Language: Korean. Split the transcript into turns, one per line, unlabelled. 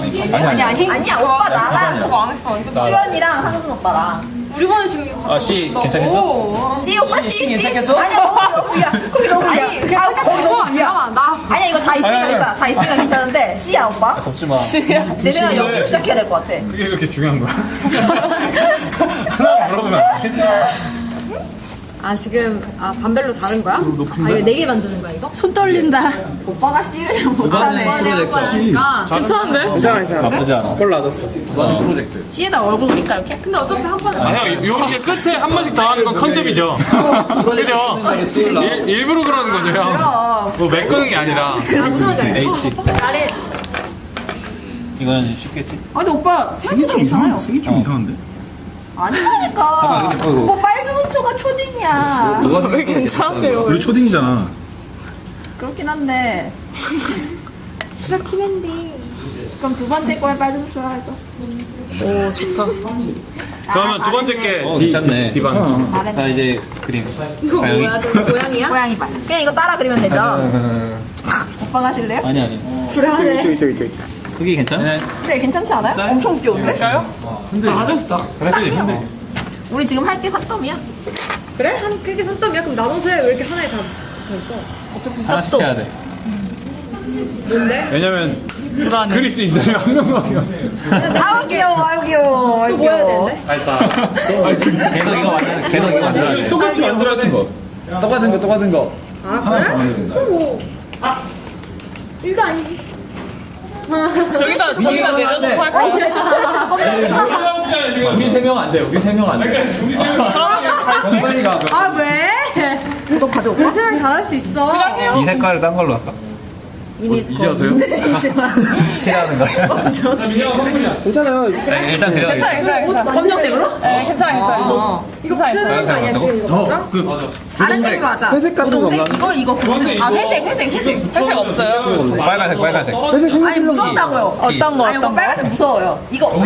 아니야 오빠 나랑
안 했어 완전.
수연이랑 상준 오빠랑.
우리 반에 지금 이거.
씨 괜찮겠어?
씨 오빠
씨
씨
괜찮겠어?
아니야 너무 위야. 거기 너무 위야.
아니 그냥 살짝
거기
잡고
너무
안
위야.
나와 나.
아니야 이거 자 있으니까 괜찮아. 자 있으니까 괜찮은데 씨야 오빠.
덥지 마.
내가 여기 시작해야 될 것 같아.
그게 그렇게 중요한 거야? 하나 물어보면 안 돼?
아 지금 반별로 다른 거야? 아 이거 4개 만드는 거야 이거?
손 떨린다.
오빠가 씨를 못하네.
그러니까 괜찮은데?
괜찮아.
나쁘지 않아.
꼴 놔뒀어. 프로젝트.
씨에다 얼굴 그릴까 이렇게?
근데 어차피 한 번에.
아, 형, 요렇게 끝에 한 번씩 더 하는 건 컨셉이죠? 그죠? 일부러 그러는 거죠, 형? 뭐 메꾸는 게 아니라.
H.
나래.
이건 쉽겠지?
아 근데 오빠 생각보다 괜찮아요.
색이 좀 이상한데?
아니라니까. 오빠 빨주노초가 초딩이야.
왜 괜찮대요?
우리 초딩이잖아.
그렇긴 한데. 그렇긴 한데. 그럼 두 번째 거에 빨주노초로 하죠.
오 좋다.
그러면 두 번째 게
괜찮네.
디반.
자
나래.
이제 그림.
이거
가영이?
뭐야? 저 고양이야?
고양이 발. 그냥 이거 따라 그리면 되죠. 오빠가 하실래요?
아니 아니.
불안해.
그게 괜찮아?
네 괜찮지 않아요? 엄청 귀여운데?
그래.
우리 지금 할 게 산더미야.
그래? 한 그게 산더미야? 그럼 나눠서 해. 왜 이렇게 하나에 다 있어?
하나씩 해야 돼.
뭔데?
왜냐면 그릴 수 있어요, 한 명밖에.
아우 귀여워. 아유 귀여워. 아유
또 뭐 해야
귀여워.
되는데?
계속 이거 만들어야 돼.
똑같이 만들어야 돼.
똑같은 거.
아 그래? 그럼 뭐. 이거 아니지.
저기다 내려놓고 할 거야.
우리 3명 안 돼. 우리 3명 안 돼. 이번이가
아 왜?
너 가져올까?
그냥 잘할 수 있어.
이 색깔을 딴 걸로 할까?
이미
이제 하세요?
칠하는 거.
괜찮아요.
일단 그려.
괜찮아.
검정색으로?
네, 괜찮아.
이거 쓰는 거 아니야 지금 이거?
다른 색으로 하자. 회색 같은 거 없나? 이걸 이거 아 회색.
회색 없어요.
빨간색.
아니 무섭다고요.
어떤 거
아니 오빠
어떤 거?
빨간색 무서워요. 이거